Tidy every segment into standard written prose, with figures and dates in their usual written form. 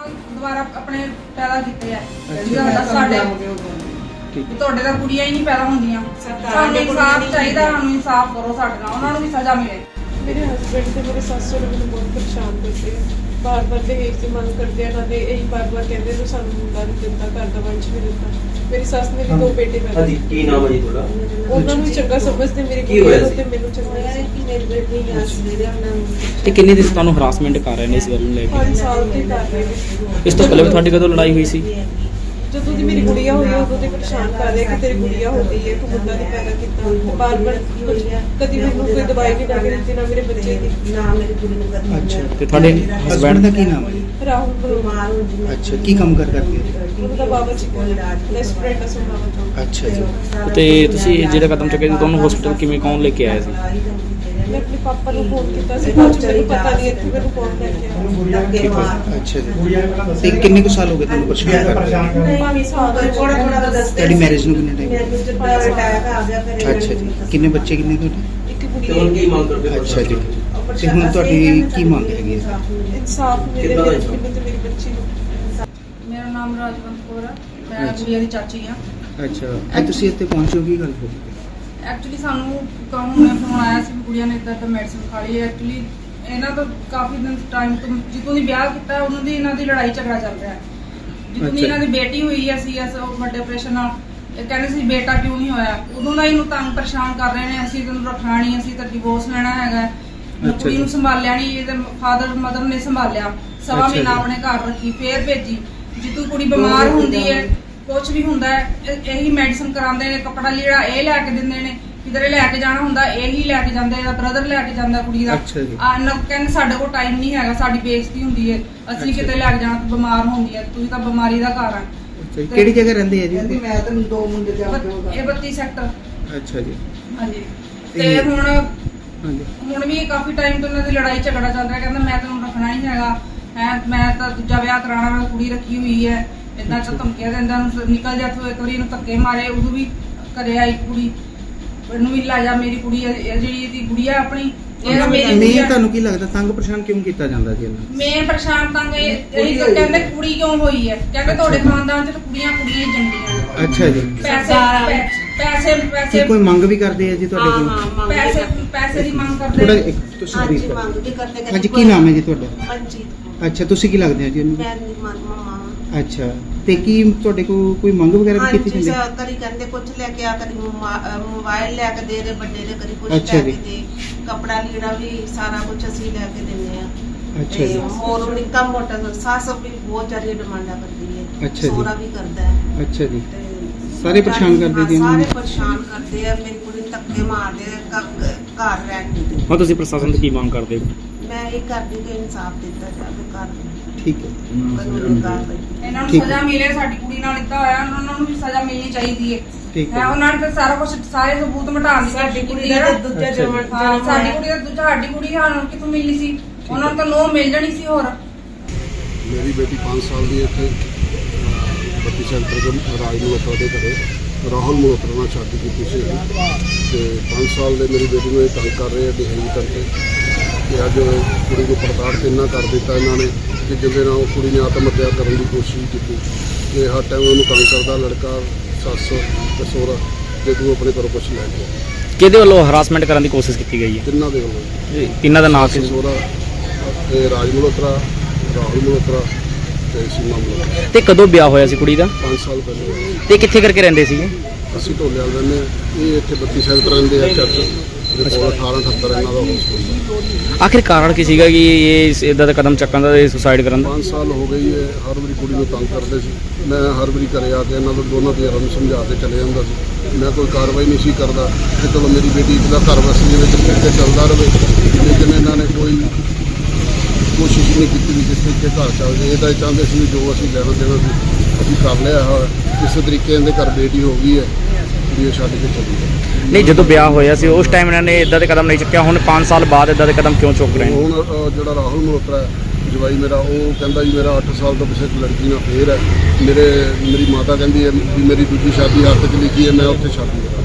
ਦੁਬਾਰਾ ਆਪਣੇ ਪੈਦਾ ਕੀਤੇ ਆ ਸਾਡੇ ਤੁਹਾਡੇ ਤਾਂ ਕੁੜੀਆਂ ਹੀ ਨਹੀਂ ਪੈਦਾ ਹੁੰਦੀਆਂ। ਸਾਨੂੰ ਇਨਸਾਫ ਚਾਹੀਦਾ, ਸਾਨੂੰ ਇਨਸਾਫ ਕਰੋ ਸਾਡੇ ਨਾਲ, ਉਹਨਾਂ ਨੂੰ ਵੀ ਸਜ਼ਾ ਮਿਲੇ। ਮੇਰੇ ਹਸਬੈਂਡ ਤੇ ਮੇਰੇ ਸੱਸ ਸਹੁਰੇ ਮੈਨੂੰ ਬਹੁਤ ਪਰੇਸ਼ਾਨ ਕਰਦੇ ਆ, ਬਾਰ-ਬਾਰ ਦਹੇਜ ਦੀ ਮੰਗ ਕਰਦੇ ਆ। ਨਾਲੇ ਇਹੀ ਬਾਰ-ਬਾਰ ਕਹਿੰਦੇ ਨੇ ਸਾਨੂੰ ਮੁੰਡਾ ਨਹੀਂ ਦਿੰਦਾ, ਘਰ ਦਾ ਵੰਸ਼ ਨਹੀਂ ਦਿੰਦਾ। ਮੇਰੀ ਸੱਸ ਨੇ ਵੀ 2 ਬੇਟੇ ਪੈਦਾ ਕੀਤੇ। ਕੀ ਨਾਮ ਹੈ ਜੀ ਤੁਹਾਡਾ? ਉਹਨਾਂ ਨੂੰ ਚੰਗਾ ਸਮਝਦੇ, ਮੇਰੀ ਕੁੜੀ ਨੂੰ ਤੇ ਮੈਨੂੰ ਚੰਗਾ ਕਿ ਮੇਰੇ ਬੇਟੇ ਹੀ ਆਸਰੇ ਉਹਨਾਂ ਨੂੰ। ਤੇ ਕਿੰਨੇ ਦਿਨ ਤੁਹਾਨੂੰ ਹਰਾਸਮੈਂਟ ਕਰ ਰਹੇ ਨੇ ਇਸ ਗੱਲ ਨੂੰ ਲੈ ਕੇ? 5 ਸਾਲ ਦੀ ਕਰ ਰਹੇ ਨੇ। ਇਸ ਤੋਂ ਪਹਿਲਾਂ ਵੀ ਤੁਹਾਡੀ ਕਦੋਂ ਲੜਾਈ ਹੋਈ ਸੀ? ਜਦੋਂ ਦੀ ਮੇਰੀ ਗੁੜੀਆ ਹੋਈ ਉਦੋਂ ਦੇ ਪਰੇਸ਼ਾਨ ਕਰ ਰਹੇ ਕਿ ਤੇਰੀ ਗੁੜੀਆ ਹੋ ਗਈ ਹੈ, ਤੂੰ ਮੁੰਡਾ ਨਹੀਂ ਪੈਦਾ ਕੀਤਾ। ਬਾਰ-ਬਾਰ ਕਦੀ ਮੈਨੂੰ ਕੋਈ ਦਵਾਈ ਨਹੀਂ ਲਾ ਕੇ ਦਿੱਤੀ, ਨਾ ਮੇਰੇ ਬੱਚੇ ਦੀ, ਨਾ ਮੇਰੀ ਕੁੜੀ ਨੂੰ ਕਦੀ। ਅੱਛਾ, ਤੇ ਤੁਹਾਡੇ ਹਸਬੈਂਡ ਦਾ ਕੀ ਨਾਮ ਹੈ? ਰਾਹੁਲ ਬਿਮਾਰ ਹੋ ਜੀ। ਅੱਛਾ, ਕੀ ਕੰਮ ਕਰਦੇ ਹੈ? ਉਹਦਾ ਬਾਬਾ ਜੀ ਕੋਲ ਰੈਸਟੋਰੈਂਟ ਸੁਣਾਵਾ ਚਾਹੁੰਦਾ। ਅੱਛਾ ਜੀ। ਤੇ ਤੁਸੀਂ ਜਿਹੜਾ ਕਦਮ ਚੁੱਕਿਆ ਸੀ, ਤੁਹਾਨੂੰ ਹਸਪੀਟਲ ਕਿਵੇਂ ਕੌਣ ਲੈ ਕੇ ਆਇਆ ਸੀ? ਮੈਂ ਆਪਣੇ ਪਾਪਾ ਨੂੰ ਫੋਨ ਕੀਤਾ ਸੀ, ਬਾਅਦ ਚ ਮੈਨੂੰ ਪਤਾ ਨਹੀਂ ਇੱਥੇ ਮੈਨੂੰ ਕੌਣ ਲੈ ਕੇ ਆਇਆ। ਅੱਛਾ ਜੀ। ਤੇ ਕਿੰਨੇ ਕੁ ਸਾਲ ਹੋ ਗਏ ਤੁਹਾਨੂੰ ਪਰੇਸ਼ਾਨ ਕਰ ਰਹੇ? 5 ਸਾਲ ਦਾ ਥੋੜਾ ਦੱਸਦੇ। ਤੁਹਾਡੀ ਮੈਰਿਜ ਨੂੰ ਕਿੰਨਾ ਟਾਈਮ? ਮੈਨੂੰ ਜਿੱਦਾਂ ਅਟੈਕ ਆ ਗਿਆ ਫਿਰ ਅੱਛਾ ਜੀ। ਕਿੰਨੇ ਬੱਚੇ ਕਿੰਨੇ ਤੁਹਾਡੇ? ਇੱਕ ਤੇ ਕੁੜੀ ਹੁਣ ਕੀ ਮੰਗ ਕਰਦੇ ਹੋ? ਅੱਛਾ ਜੀ। ਤੇ ਹੁਣ ਤੁਹਾਡੀ ਕੀ ਮੰਗ ਹੈਗੀ ਹੈ? ਇਨਸਾਫ ਮਿਲੇ ਮੈਨੂੰ ਤੇ ਮੇਰੀ ਬੱਚੀ ਨੂੰ। ਮੇਰਾ ਨਾਮ ਰਾਜਵੰਤ ਕੌਰ ਹੈ, ਮੈਂ ਗੁੜੀਆ ਦੀ ਚਾਚੀ ਆ। ਅੱਛਾ, ਅੱਜ ਤੁਸੀਂ ਇੱਥੇ ਪਹੁੰਚੋ, ਕੀ ਗੱਲ ਹੋ ਗਈ? ਐਕਚੁਅਲੀ ਸਾਨੂੰ ਹੁਣੇ ਫੋਨ ਆਇਆ ਸੀ, ਕੁੜੀਆਂ ਨੇ ਇੱਦਾਂ ਤਾਂ ਮੈਡੀਸਿਨ ਖਾ ਲਈ ਹੈ। ਐਕਚੁਅਲੀ ਇਹਨਾਂ ਤੋਂ ਕਾਫੀ ਦਿਨ ਟਾਈਮ ਤੋਂ ਜਦੋਂ ਦੀ ਵਿਆਹ ਕੀਤਾ ਉਹਨਾਂ ਦੀ ਇਹਨਾਂ ਦੀ ਲੜਾਈ ਝਗੜਾ ਚੱਲ ਰਿਹਾ ਹੈ। ਜਦੋਂ ਦੀ ਇਹਨਾਂ ਦੀ ਬੇਟੀ ਹੋਈ ਹੈ ਸੀਐਸ ਵੱਡੇ ਆਪਰੇਸ਼ਨ ਨਾਲ, ਇਹ ਕਹਿੰਦੇ ਸੀ ਬੇਟਾ ਕਿਉਂ ਨਹੀਂ ਹੋਇਆ। ਉਦੋਂ ਦਾ ਇਹਨੂੰ ਤੰਗ ਪਰੇਸ਼ਾਨ ਕਰ ਰਹੇ ਨੇ, ਅਸੀਂ ਤੈਨੂੰ ਰੱਖਣਾ ਨਹੀਂ, ਅਸੀਂ ਤਾਂ ਡਿਵੋਰਸ ਲੈਣਾ ਹੈਗਾ। ਕੁੜੀ ਨੂੰ ਸੰਭਾਲਿਆ ਨਹੀਂ, ਇਹਦੇ ਫਾਦਰ ਮਦਰ ਨੇ ਸੰਭਾਲਿਆ, ਸਵਾ ਮਹੀਨਾ ਆਪਣੇ ਘਰ ਰੱਖੀ, ਫੇਰ ਭੇਜੀ। ਜਿੱਦੋਂ ਕੁੜੀ ਬਿਮਾਰ ਹੁੰਦੀ ਹੈ, ਕੁਝ ਵੀ ਹੁੰਦਾ ਹੈ, ਇਹੀ ਮੈਡੀਸਨ ਕਰਾਉਂਦੇ ਨੇ, ਕੱਪੜਾ ਲੀੜਾ ਇਹ ਲੈ ਕੇ ਦਿੰਦੇ ਨੇ, ਕਿਧਰੇ ਲੈ ਕੇ ਜਾਣਾ ਹੁੰਦਾ ਇਹੀ ਲੈ ਕੇ ਜਾਂਦੇ ਆ, ਬ੍ਰਦਰ ਲੈ ਕੇ ਜਾਂਦਾ ਕੁੜੀ ਦਾ। ਕਹਿੰਦੇ ਸਾਡੇ ਕੋਲ ਟਾਈਮ ਨਹੀਂ ਹੈਗਾ, ਸਾਡੀ ਬੇਇੱਜ਼ਤੀ ਹੁੰਦੀ ਹੈ, ਅਸੀਂ ਕਿਤੇ ਲੈ ਕੇ ਜਾਣਾ, ਬਿਮਾਰ ਹੁੰਦੀ ਹੈ, ਤੁਸੀਂ ਤਾਂ ਬਿਮਾਰੀ ਦਾ ਘਰ ਆ। ਕਿਹੜੀ ਜਗ੍ਹਾ ਰਹਿੰਦੇ ਆ ਜੀ? ਮੈਂ ਤੈਨੂੰ 2 ਮੁੰਡੇ ਦੇ ਇਹ 32 ਸੈਕਟਰ। ਅੱਛਾ ਜੀ। ਹਾਂਜੀ। ਤੇ ਹੁਣ ਵੀ ਕਾਫੀ ਟਾਈਮ ਤੋਂ ਇਹਨਾਂ ਦੀ ਲੜਾਈ ਝਗੜਾ ਚੱਲ ਰਿਹਾ। ਕਹਿੰਦਾ ਮੈਂ ਤੈਨੂੰ ਰੱਖਣਾ ਨਹੀਂ ਹੈਗਾ, ਮੈਂ ਤਾਂ ਦੂਜਾ ਵਿਆਹ ਕਰਾਉਣਾ, ਮੈਂ ਕੁੜੀ ਰੱਖੀ ਹੋਈ ਹੈ। ਇਦਾਂ ਤਾਂ ਧਮਕੀਆਂ ਦਿੰਦਾ, ਨਿਕਲ ਜਾ ਤੂੰ, ਇੱਕ ਵਾਰੀ ਇਹਨੂੰ ਧੱਕੇ ਮਾਰੇ, ਉਦੋਂ ਵੀ ਕਰਿਆ ਇੱਕ ਕੁੜੀ ਇਹਨੂੰ ਵੀ ਲੈ ਜਾ, ਮੇਰੀ ਕੁੜੀ ਜਿਹੜੀ ਇਹਦੀ ਗੁੜੀਆ ਆਪਣੀ। ਨਹੀਂ, ਤੁਹਾਨੂੰ ਕੀ ਲੱਗਦਾ ਤੰਗ ਪਰੇਸ਼ਾਨ ਕਿਉਂ ਕੀਤਾ ਜਾਂਦਾ ਜੀ ਇਹਨਾਂ? ਮੈਂ ਪਰੇਸ਼ਾਨ ਤੰਗ ਇਹੀ ਤਾਂ ਕਹਿੰਦੇ ਕੁੜੀ ਕਿਉਂ ਹੋਈ ਹੈ, ਕਹਿੰਦੇ ਤੁਹਾਡੇ ਖਾਨਦਾਨ ਚ ਤਾਂ ਕੁੜੀਆਂ ਕੁੜੀਆਂ ਹੀ ਜੰਮਦੀਆਂ। ਅੱਛਾ ਜੀ। ਪੈਸੇ ਕੋਈ ਮੰਗ ਵੀ ਕਰਦੇ ਆ ਜੀ ਤੁਹਾਡੇ ਕੋਲ? ਪੈਸੇ ਦੀ ਮੰਗ ਥੋੜਾ ਕਰਦੇ। ਤੁਸੀਂ ਹਾਂਜੀ brief ਕਰੋ। ਮੰਗ ਵੀ ਕਰਦੇ। ਹਾਂਜੀ, ਕੀ ਨਾਮ ਹੈ ਜੀ ਤੁਹਾਡਾ? ਮਨਜੀਤ। ਅੱਛਾ, ਤੁਸੀਂ ਕੀ ਲੱਗਦੇ ਆ ਜੀ ਇਹਨੂੰ? ਮੈਂ ਮਮਾ। ਅੱਛਾ, ਤੇ ਕੀ ਤੁਹਾਡੇ ਕੋਲ ਕੋਈ ਮੰਗ ਵਗੈਰਾ ਵੀ ਕੀਤੀ ਜਾਂਦੀ? ਹਾਂਜੀ, ਕਦੀ ਕਹਿੰਦੇ ਕੁਝ ਲੈ ਕੇ ਆ, ਕਦੀ ਮੋਬਾਈਲ ਲੈ ਕੇ ਦੇ ਦੇ ਵੱਡੇ ਦੇ, ਕਦੀ ਕੁਝ ਲੈ ਅੱਛਾ ਕੇ ਜੀ। ਦੇ, ਕੱਪੜਾ ਲੀੜਾ ਵੀ ਸਾਰਾ ਕੁਝ ਅਸੀਂ ਲੈ ਕੇ ਦਿੰਦੇ ਆ। ਅੱਛਾ ਜੀ। ਹੋਰ ਨਿੱਕਾ ਮੋਟਾ ਸੱਸ ਵੀ ਬਹੁਤ ਜ਼ਿਆਦਾ ਡਿਮਾਂਡਾਂ ਕਰਦੀ ਹੈ। ਅੱਛਾ ਜੀ। ਸੋਹਰਾ ਵੀ ਕਰਦਾ ਹੈ। ਅੱਛਾ ਜੀ। ਤੇ ਸਾਰੇ ਪਰੇਸ਼ਾਨ ਕਰਦੇ ਜੀ ਇਹਨਾਂ ਸਾਰੇ ਨੂੰ? ਪਰੇਸ਼ਾਨ ਕਰਦੇ ਆ, ਮੇਰੀ ਕੁੜੀ ਨੂੰ ਧੱਕੇ ਮਾਰਦੇ ਆ, ਘਰ ਰਹਿਣ ਨਹੀਂ ਦਿੰਦੇ। ਹੁਣ ਤੁਸੀਂ ਪ੍ਰਸ਼ਾਸਨ ਤੋਂ ਕੀ ਮੰਗ ਕਰਦੇ ਹੋ? ਮੈਂ ਇਹ ਕਰਦੀ ਕਿ ਇਨਸਾਫ ਦਿੱਤਾ ਜਾਵੇ, ਘਰ ਠੀਕ ਹੈ। ਕਾਨੂੰਨੀ ਕਾਰਵਾਈ। ਇਹਨਾਂ ਨੂੰ ਠੀਕ ਸਜ਼ਾ ਮਿਲੇ, ਸਾਡੀ ਕੁੜੀ ਨਾਲ ਇੱਦਾਂ ਹੋਇਆ, ਉਹਨਾਂ ਨੂੰ ਵੀ ਸਜ਼ਾ ਮਿਲਣੀ ਚਾਹੀਦੀ ਹੈ। ਠੀਕ ਹੈ। ਉਹਨਾਂ ਨੇ ਤਾਂ ਸਾਰਾ ਕੁਝ, ਸਾਰੇ ਸਬੂਤ ਮਿਟਾਉਣ ਦੀ ਸਾਡੀ ਕੋਸ਼ਿਸ਼ ਕੁੜੀ ਕੀਤੀ ਹੈ ਦਾ ਨਾ। ਦੂਜਾ ਅੱਛਾ। ਜਨਮ ਸਾਡੀ ਕੁੜੀ ਦਾ ਦੂਜਾ, ਸਾਡੀ ਕੁੜੀ ਸਾਨੂੰ ਕਿੱਥੋਂ ਮਿਲਣੀ ਸੀ? ਉਹਨਾਂ ਨੂੰ ਤਾਂ ਨੋ ਮਿਲ ਜਾਣੀ ਸੀ। ਹੋਰ ਮੇਰੀ ਬੇਟੀ 5 ਸਾਲ ਦੀ ਇੱਥੇ 32 ਸੈਕਟਰ ਦੇ ਰਾਜ ਮਲੋਤਰਾ ਦੇ ਘਰੇ ਰਾਹੁਲ ਮਲੋਤਰਾ ਨਾਲ ਸ਼ਾਦੀ ਕੀਤੀ ਸੀ ਤੇ 5 ਸਾਲ ਦੇ ਮੇਰੀ ਬੇਟੀ ਨੂੰ ਇਹ ਤੰਗ ਕਰ ਰਹੇ ਆ ਡਿਹੇਜ ਕਰਕੇ। ਤੇ ਅੱਜ ਕੁੜੀ ਨੂੰ ਪੜਤਾੜ ਤੇ ਇੰਨਾ ਕਰ ਦਿੱਤਾ ਇਹਨਾਂ ਨੇ ਕਿ ਜਿਹਦੇ ਨਾਲ ਕੁੜੀ ਨੇ ਆਤਮ ਹੱਤਿਆ ਕਰਨ ਦੀ ਕੋਸ਼ਿਸ਼ ਕੀਤੀ। ਤੇ ਹਰ ਟਾਈਮ ਉਹਨੂੰ ਤੰਗ ਕਰਦਾ ਲੜਕਾ, ਸੱਸ ਤੇ ਸਹੁਰਾ, ਜੇ ਤੂੰ ਆਪਣੇ ਘਰੋਂ ਕੁਛ ਲੈ ਕੇ ਆ। ਕਿਹਦੇ ਵੱਲੋਂ ਹਰਾਸਮੈਂਟ ਕਰਨ ਦੀ ਕੋਸ਼ਿਸ਼ ਕੀਤੀ ਗਈ ਹੈ? ਤਿੰਨਾਂ ਦੇ ਵੱਲੋਂ। ਤਿੰਨਾਂ ਦਾ ਨਾਮ ਸੱਸ, ਸੀ? ਸਹੁਰਾ, ਇਹ ਰਾਜ ਮਲੋਤਰਾ, ਰਾਹੁਲ ਮਲੋਤਰਾ ਤੇ ਸੀਮਾ ਮਲੋਤਰਾ। ਤੇ ਕਦੋਂ ਵਿਆਹ ਹੋਇਆ ਸੀ ਕੁੜੀ ਦਾ? 5 ਸਾਲ ਪਹਿਲੇ। ਤੇ ਕਿੱਥੇ ਕਰਕੇ ਰਹਿੰਦੇ ਸੀਗੇ? ਅਸੀਂ ਢੋਲਿਆਲ ਰਹਿੰਦੇ ਹਾਂ। ਇਹ ਇੱਥੇ 32 ਸੈਕਟਰ ਰਹਿੰਦੇ ਆ ਚਰਚ ਦੇ ਕੋਲ। 1878 ਇਹਨਾਂ ਦਾ ਹਸਪਤਾਲ। ਆਖਿਰ ਕਾਰਨ ਕੀ ਸੀਗਾ ਕਿ ਇਹ ਇਦਾਂ ਦਾ ਕਦਮ ਚੱਕਣ ਦਾ, ਸੁਸਾਈਡ ਕਰਨ ਦਾ? 5 ਸਾਲ ਹੋ ਗਈ ਹੈ, ਹਰ ਵਾਰੀ ਕੁੜੀ ਨੂੰ ਤੰਗ ਕਰਦੇ ਸੀ। ਮੈਂ ਹਰ ਵਾਰੀ ਘਰੇ ਆ ਕੇ ਇਹਨਾਂ ਨੂੰ ਦੋਨਾਂ ਧਿਰਾਂ ਨੂੰ ਸਮਝਾ ਕੇ ਚਲੇ ਜਾਂਦਾ ਸੀ। ਮੈਂ ਕੋਈ ਕਾਰਵਾਈ ਨਹੀਂ ਸੀ ਕਰਦਾ ਕਿ ਚਲੋ ਮੇਰੀ ਬੇਟੀ ਦਾ ਘਰ ਵਸੀ ਦੇ ਵਿੱਚ ਕਿਤੇ ਚੱਲਦਾ ਰਹੇ, ਲੇਕਿਨ ਇਹਨਾਂ ਨੇ ਕੋਈ ਕੋਸ਼ਿਸ਼ ਨਹੀਂ ਕੀਤੀ ਵੀ ਜਿਸ ਤਰੀਕੇ ਘਰ ਚੱਲ ਜਾਏ। ਇਹ ਤਾਂ ਚਾਹੁੰਦੇ ਸੀ ਵੀ ਜੋ ਅਸੀਂ ਲੈਣਾ ਦੇਣਾ ਸੀ ਅਸੀਂ ਕਰ ਲਿਆ ਹੈ। ਕਿਸੇ ਤਰੀਕੇ ਇਹਦੇ ਘਰ ਬੇਟੀ ਹੋ ਗਈ ਹੈ ਵੀ ਇਹ ਛੱਡ ਕੇ ਚਲੀ ਗਈ। ਨਹੀਂ, ਜਦੋਂ ਵਿਆਹ ਹੋਇਆ ਸੀ ਉਸ ਟਾਈਮ ਇਹਨਾਂ ਨੇ ਇਦਾਂ ਦੇ ਕਦਮ ਨਹੀਂ ਚੁੱਕਿਆ, ਹੁਣ 5 ਸਾਲ ਬਾਅਦ ਇਦਾਂ ਦੇ ਕਦਮ ਕਿਉਂ ਚੁੱਕ ਰਹੇ ਨੇ? ਹੁਣ ਜਿਹੜਾ ਰਾਹੁਲ ਮਲੋਤਰਾ ਹੈ ਜਵਾਈ ਮੇਰਾ, ਉਹ ਕਹਿੰਦਾ ਜੀ ਮੇਰਾ 8 ਸਾਲ ਤੋਂ ਪਿੱਛੇ ਇੱਕ ਲੜਕੀ ਨਾਲ ਫੇਰ ਹੈ। ਮੇਰੀ ਮਾਤਾ ਕਹਿੰਦੀ ਹੈ ਵੀ ਮੇਰੀ ਦੂਜੀ ਸ਼ਾਦੀ ਹੱਥ 'ਚ ਲਿਖੀ ਹੈ, ਮੈਂ ਉੱਥੇ ਸ਼ਾਦੀ ਕਰਾਂ।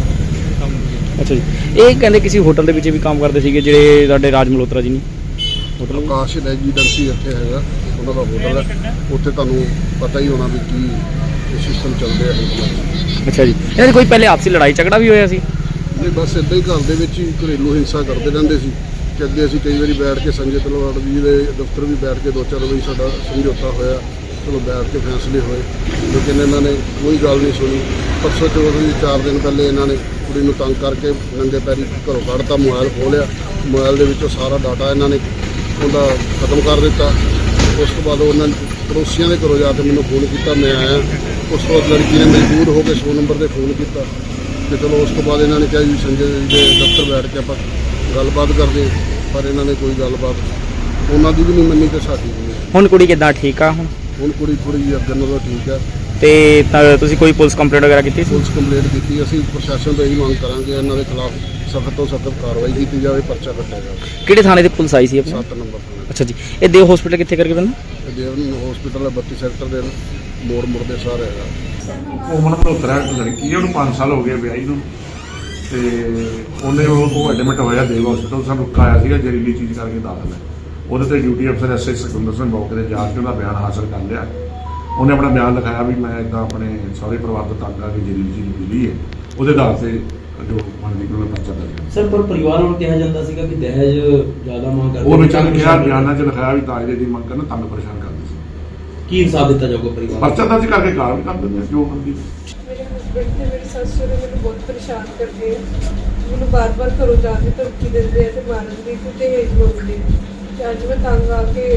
ਅੱਛਾ ਜੀ। ਇਹ ਕਹਿੰਦੇ ਕਿਸੇ ਹੋਟਲ ਦੇ ਵਿੱਚ ਵੀ ਕੰਮ ਕਰਦੇ ਸੀਗੇ ਜਿਹੜੇ ਸਾਡੇ ਰਾਜ ਮਲੋਤਰਾ ਜੀ ਨੇ? ਆਕਾਸ਼ ਰੈਜੀਡੈਂਸੀ ਇੱਥੇ ਹੈਗਾ, ਉਹਨਾਂ ਦਾ ਹੋਟਲ ਹੈ। ਉੱਥੇ ਤੁਹਾਨੂੰ ਪਤਾ ਹੀ ਹੋਣਾ ਵੀ ਕੀ ਸਿਸਟਮ ਚੱਲਦੇ ਆ ਹੋਟਲਾਂ 'ਚ। ਅੱਛਾ ਜੀ, ਇਹਨਾਂ ਦੀ ਕੋਈ ਪਹਿਲੇ ਆਪਸੀ ਲੜਾਈ ਝਗੜਾ ਵੀ ਹੋਇਆ ਸੀ? ਨਹੀਂ, ਬਸ ਇੱਦਾਂ ਹੀ ਘਰ ਦੇ ਵਿੱਚ ਹੀ ਘਰੇਲੂ ਹਿੰਸਾ ਕਰਦੇ ਰਹਿੰਦੇ ਸੀ ਕਿ ਅੱਗੇ ਅਸੀਂ ਕਈ ਵਾਰੀ ਬੈਠ ਕੇ ਸੰਜੇ ਤਲਵਾੜ ਜੀ ਦੇ ਦਫ਼ਤਰ ਵੀ ਬੈਠ ਕੇ 2-4 ਵਾਰੀ ਸਾਡਾ ਸਮਝੌਤਾ ਹੋਇਆ, ਚਲੋ ਬੈਠ ਕੇ ਫੈਸਲੇ ਹੋਏ, ਲੇਕਿਨ ਇਹਨਾਂ ਨੇ ਕੋਈ ਗੱਲ ਨਹੀਂ ਸੁਣੀ। ਪਰਸੋਂ ਚੌਥ ਦੀ 4 ਦਿਨ ਪਹਿਲੇ ਇਹਨਾਂ ਨੇ ਕੁੜੀ ਨੂੰ ਤੰਗ ਕਰਕੇ ਨੰਗੇ ਪੈਰੀ ਘਰੋਂ ਕੱਢਤਾ, ਮੋਬਾਈਲ ਖੋਲਿਆ, ਮੋਬਾਈਲ ਦੇ ਵਿੱਚੋਂ ਸਾਰਾ ਡਾਟਾ ਇਹਨਾਂ ਨੇ ਉਹਦਾ ਖਤਮ ਕਰ ਦਿੱਤਾ। ਉਸ ਤੋਂ ਬਾਅਦ ਉਹਨਾਂ ਨੇ ਪੜੋਸੀਆਂ ਦੇ ਘਰੋਂ ਜਾ ਕੇ ਮੈਨੂੰ ਫੋਨ ਕੀਤਾ, ਮੈਂ ਆਇਆ। ਉਸ ਤੋਂ ਬਾਅਦ ਲੜਕੀ ਨੇ ਮਜਬੂਰ ਹੋ ਕੇ 100 ਨੰਬਰ 'ਤੇ ਫੋਨ ਕੀਤਾ ਤੇ ਚਲੋ ਉਸ ਤੋਂ ਬਾਅਦ ਇਹਨਾਂ ਨੇ ਕਿਹਾ ਜੀ ਸੰਜੇ ਦੇ ਦਫ਼ਤਰ ਬੈਠ ਕੇ ਆਪਾਂ ਗੱਲਬਾਤ ਕਰਦੇ, ਪਰ ਇਹਨਾਂ ਨੇ ਕੋਈ ਗੱਲਬਾਤ ਉਹਨਾਂ ਦੀ ਵੀ ਨਹੀਂ ਮੰਨੀ ਤੇ ਸਾਡੀ ਵੀ ਨਹੀਂ। ਹੁਣ ਕੁੜੀ ਕਿੱਦਾਂ, ਠੀਕ ਆ? ਹੁਣ ਕੁੜੀ ਥੋੜ੍ਹੀ ਜਿਹੀ ਅੱਗੇ ਨਾਲੋਂ ਠੀਕ ਹੈ। ਤੇ ਤੁਸੀਂ ਕੋਈ ਪੁਲਿਸ ਕੰਪਲੇਂਟ ਵਗੈਰਾ ਕੀਤੀ ਸੀ? ਪੁਲਿਸ ਕੰਪਲੇਂਟ ਕੀਤੀ, ਅਸੀਂ ਪ੍ਰਸ਼ਾਸਨ ਤੋਂ ਇਹੀ ਮੰਗ ਕਰਾਂਗੇ ਇਹਨਾਂ ਦੇ ਖਿਲਾਫ ਸਖਤ ਤੋਂ ਸਖਤ ਕਾਰਵਾਈ ਕੀਤੀ ਜਾਵੇ, ਪਰਚਾ ਕੱਟਿਆ ਜਾਵੇ। ਕਿਹੜੇ ਥਾਣੇ ਦੀ ਪੁਲਿਸ ਆਈ ਸੀ ਆਪਣੀ? 7 ਨੰਬਰ ਤੋਂ। ਅੱਛਾ ਜੀ, ਇਹ ਦੇਵ ਹਸਪੀਟਲ ਕਿੱਥੇ ਕਰਕੇ ਪੈਂਦਾ? ਤੇ ਦੇਵਨ ਹਸਪੀਟਲ 32 ਸੈਕਟਰ ਦੇ ਮੋੜ ਦੇ ਸਾਰੇ ਹੈਗਾ। ਉਹ ਮਲਹੋਤਰਾ ਲੜਕੀ ਹੈ, ਉਹਨੂੰ 5 ਸਾਲ ਹੋ ਗਏ ਵਿਆਹੀ ਨੂੰ, ਤੇ ਉਹਨੇ ਉਹ ਐਡਮਿਟ ਹੋਇਆ ਦੇਵ ਹਸਪੀਟਲ। ਸਾਨੂੰ ਆਇਆ ਸੀਗਾ ਜ਼ਹਿਰੀਲੀ ਚੀਜ਼ ਕਰਕੇ ਦਾਖਲ ਹੈ। ਉਹਦੇ ਤੇ ਡਿਊਟੀ ਅਫਸਰ ਐਸਆਈ ਸੁਖਿੰਦਰ ਸਿੰਘ ਮੌਕੇ ਤੇ ਜਾ ਕੇ ਉਹਦਾ ਬਿਆਨ ਹਾਸਲ ਕਰ ਲਿਆ। ਉਹਨੇ ਆਪਣਾ ਬਿਆਨ ਲਿਖਾਇਆ ਵੀ ਮੈਂ ਇਦਾਂ ਆਪਣੇ ਸਾਰੇ ਪਰਿਵਾਰ ਤੋਂ ਤੰਗ ਆ ਕੇ ਜ਼ਹਿਰੀਲੀ ਚੀਜ਼ ਮਿਲੀ ਹੈ, ਉਹਦੇ ਆਧਾਰ ਤੇ ਜੋ ਬਣਦੀ ਕੋਲ ਪਰਚਾ ਦਰਜ। ਸਰ ਪਰ ਪਰਿਵਾਰ ਵੱਲੋਂ ਕਿਹਾ ਜਾਂਦਾ ਸੀਗਾ ਕਿ ਦਹੇਜ ਜ਼ਿਆਦਾ ਮੰਗ ਕਰਦੇ, ਉਹ ਵਿੱਚ ਕਿਹਾ ਬਿਆਨਾਂ 'ਚ ਲਿਖਾਇਆ ਵੀ ਦਾਜ ਦੀ ਮੰਗ ਕਰਨ, ਤੰਗ ਪਰੇਸ਼ਾਨ ਕਰਦੇ ਸੀ। ਕੀ ਇਨਸਾਫ ਦਿੱਤਾ ਜਾਊਗਾ ਪਰਿਵਾਰ? ਪਰਚਾ ਦਰਜ ਕਰਕੇ ਕਾਰਵਾਈ ਕਰ ਦਿੰਦੇ ਆ ਜੋ ਮੰਗੀ। ਮੇਰੇ ਹਸਬੰਡ ਤੇ ਮੇਰੀ ਸੱਸ ਸਹੁਰੇ ਮੈਨੂੰ ਬਹੁਤ ਪਰੇਸ਼ਾਨ ਕਰਦੇ ਆ, ਮੈਨੂੰ ਬਾਰ-ਬਾਰ ਘਰੋਂ ਜਾਣ ਦੀ ਧਮਕੀ ਦਿੰਦੇ ਆ ਤੇ ਮਾਰਨ ਦੀ ਤੇ ਦਹੇਜ ਮੰਗਦੇ ਆ। ਤੇ ਅੱਜ ਮੈਂ ਤੰਗ ਆ ਕੇ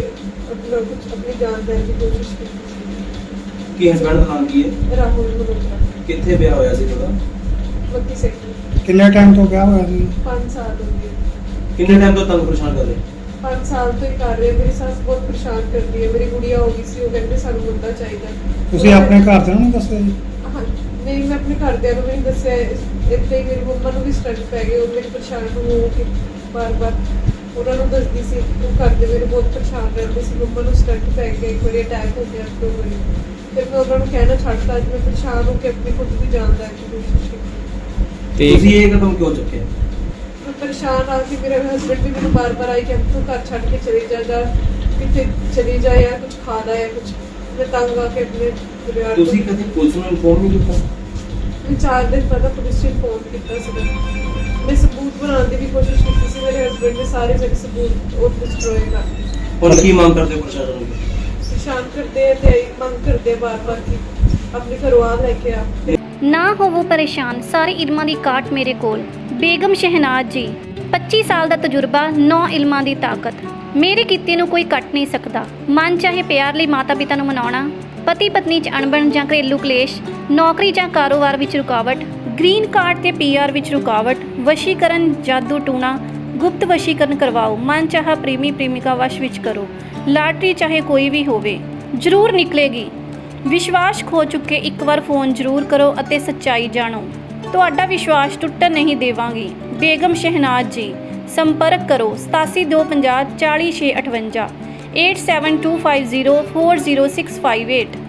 ਆਪਣੀ ਜਾਨ ਦੇਣ ਦੀ ਕੋਸ਼ਿਸ਼ ਕੀਤੀ ਸੀ। ਕੀ ਹਸਬੰਡ ਦਾ ਨਾਮ ਕੀ ਹੈ? ਰਾਹੁਲ ਮਲਹੋਤਰਾ। ਕਿੱਥੇ ਵਿਆਹ ਹੋਇਆ ਸੀ ਤੁਹਾਡਾ? 32 ਸੈਕਟਰ। ਕਿੰਨੇ ਟਾਈਮ ਤੋਂ ਵਿਆਹ ਹੋਇਆ ਸੀ? 5 ਸਾਲ ਹੋ ਗਏ। ਕਿੰਨੇ ਟਾਈਮ ਤੋਂ ਤੰਗ ਪਰੇਸ਼ਾਨ ਕਰ ਰਹੇ? 5 ਸਾਲ ਤੋਂ ਹੀ ਕਰ ਰਹੇ। ਮੇਰੀ ਸੱਸ ਬਹੁਤ ਪਰੇਸ਼ਾਨ ਕਰਦੀ ਹੈ। ਮੇਰੀ ਗੁੜੀਆ ਹੋ ਗਈ ਸੀ, ਉਹ ਕਹਿੰਦੇ ਸਾਨੂੰ ਮੁੰਡਾ ਚਾਹੀਦਾ। ਤੁਸੀਂ ਆਪਣੇ ਘਰਦਿਆਂ ਨੂੰ ਦੱਸਿਆ ਜੀ? ਹਾਂ, ਨਹੀਂ ਮੈਂ ਆਪਣੇ ਘਰਦਿਆਂ ਨੂੰ ਵੀ ਨਹੀਂ ਦੱਸਿਆ। ਇੱਥੇ ਹੀ ਮੇਰੀ ਮੰਮਾ ਨੂੰ ਵੀ ਸਟੰਟ ਪੈ ਗਏ, ਉਹ ਮੇਰੀ ਪਰੇਸ਼ਾਨ ਹੋ ਕੇ ਬਾਰ-ਬਾਰ ਉਹਨਾਂ ਨੂੰ ਦੱਸਦੀ ਸੀ। ਉਹ ਘਰਦੇ ਮੇਰੇ ਬਹੁਤ ਪਰੇਸ਼ਾਨ ਰਹਿੰਦੇ ਸੀ। ਮੰਮਾ ਨੂੰ ਸਟੰਟ ਪੈ ਗਿਆ, ਇੱਕ ਵਾਰੀ ਅਟੈਕ ਹੋ ਗਿਆ, 2 ਵਾਰੀ। ਫਿਰ ਮੈਂ ਉਹਨਾਂ ਨੂੰ ਕਹਿਣਾ ਛੱਡਤਾ। ਅੱਜ ਮੈਂ ਪਰੇਸ਼ਾਨ ਹੋ ਕੇ ਆਪਣੀ ਖੁਦ ਦੀ ਜਾਨ ਲੈਣ ਦੀ ਕੋਸ਼ਿਸ਼ ਕੀਤੀ। ਤੇ ਤੁਸੀਂ ਇਹ ਕਦਮ ਕਿਉਂ ਚੁੱਕਿਆ? ਮੈਂ ਪਰੇਸ਼ਾਨ ਆ ਕਿ ਮੇਰੇ ਹਸਬੰਡ ਵੀ ਮੈਨੂੰ ਬਾਰ-ਬਾਰ ਆਈ ਕਿ ਤੂੰ ਘਰ ਛੱਡ ਕੇ ਚਲੀ ਜਾ, ਜਾਂ ਕਿਤੇ ਚਲੀ ਜਾ, ਜਾਂ ਕੁਝ ਖਾ ਲੈ ਜਾਂ ਕੁਝ। ਮੈਂ ਤੰਗ ਆ ਕੇ ਆਪਣੇ ਪਰਿਵਾਰ ਤੋਂ। ਤੁਸੀਂ ਕਦੇ ਪੁਲਿਸ ਨੂੰ ਇਨਫੋਰਮ ਨਹੀਂ ਕੀਤਾ? ਮੈਂ 4 ਦਿਨ ਪਹਿਲਾਂ ਪੁਲਿਸ ਨੂੰ ਫੋਨ ਕੀਤਾ ਸੀ। ਮੈਂ ਸਬੂਤ ਬਣਾਉਣ ਦੀ ਵੀ ਕੋਸ਼ਿਸ਼ ਕੀਤੀ ਸੀ। ਮੇਰੇ ਹਸਬੰਡ ਨੇ ਸਾਰੇ ਜਿਹੜੇ ਸਬੂਤ ਉਹ ਡਿਸਟਰੋਏ ਕਰ ਦਿੱਤੇ। ਹੁਣ ਕੀ ਮੰਗ ਕਰਦੇ ਹੋ ਪ੍ਰਸ਼ਾਸਨ ਨੂੰ? ਪਰੇਸ਼ਾਨ ਕਰਦੇ ਆ ਤੇ ਮੰਗ ਕਰਦੇ ਆ ਬਾਰ-ਬਾਰ ਕਿ ਆਪਣੇ ਘਰੋਂ ਆ ਲੈ ਕੇ ਆ। ਨਾ ਹੋਵੋ ਪਰੇਸ਼ਾਨ, ਸਾਰੇ ਇਲਮਾਂ ਦੀ ਕਾਟ ਮੇਰੇ ਕੋਲ। ਬੇਗਮ ਸ਼ਹਿਨਾਜ਼ ਜੀ, 25 ਸਾਲ ਦਾ ਤਜਰਬਾ, 9 ਇਲਮਾਂ ਦੀ ਤਾਕਤ। ਮੇਰੇ ਕੀਤੇ ਨੂੰ ਕੋਈ ਕੱਟ ਨਹੀਂ ਸਕਦਾ। ਮਨ ਚਾਹੇ ਪਿਆਰ ਲਈ ਮਾਤਾ ਪਿਤਾ ਨੂੰ ਮਨਾਉਣਾ, ਪਤੀ ਪਤਨੀ 'ਚ ਅਣਬਣ ਜਾਂ ਘਰੇਲੂ ਕਲੇਸ਼, ਨੌਕਰੀ ਜਾਂ ਕਾਰੋਬਾਰ ਵਿੱਚ ਰੁਕਾਵਟ, ਗ੍ਰੀਨ ਕਾਰਡ ਤੇ PR ਵਿੱਚ ਰੁਕਾਵਟ, ਵਸ਼ੀਕਰਨ, ਜਾਦੂ ਟੂਣਾ, ਗੁਪਤ ਵਸ਼ੀਕਰਨ ਕਰਵਾਓ, ਮਨ ਚਾਹਾ ਪ੍ਰੇਮੀ ਪ੍ਰੇਮਿਕਾ ਵਸ਼ ਵਿੱਚ ਕਰੋ, ਲਾਟਰੀ ਚਾਹੇ ਕੋਈ ਵੀ ਹੋਵੇ ਜ਼ਰੂਰ ਨਿਕਲੇਗੀ। ਵਿਸ਼ਵਾਸ ਖੋ ਚੁੱਕੇ ਇੱਕ ਵਾਰ ਫੋਨ ਜ਼ਰੂਰ ਕਰੋ ਅਤੇ ਸੱਚਾਈ ਜਾਣੋ। ਤੁਹਾਡਾ ਵਿਸ਼ਵਾਸ ਟੁੱਟਣ ਨਹੀਂ ਦੇਵਾਂਗੀ। ਬੇਗਮ ਸ਼ਹਿਨਾਜ਼ ਜੀ, ਸੰਪਰਕ ਕਰੋ 8725040658 8725040658।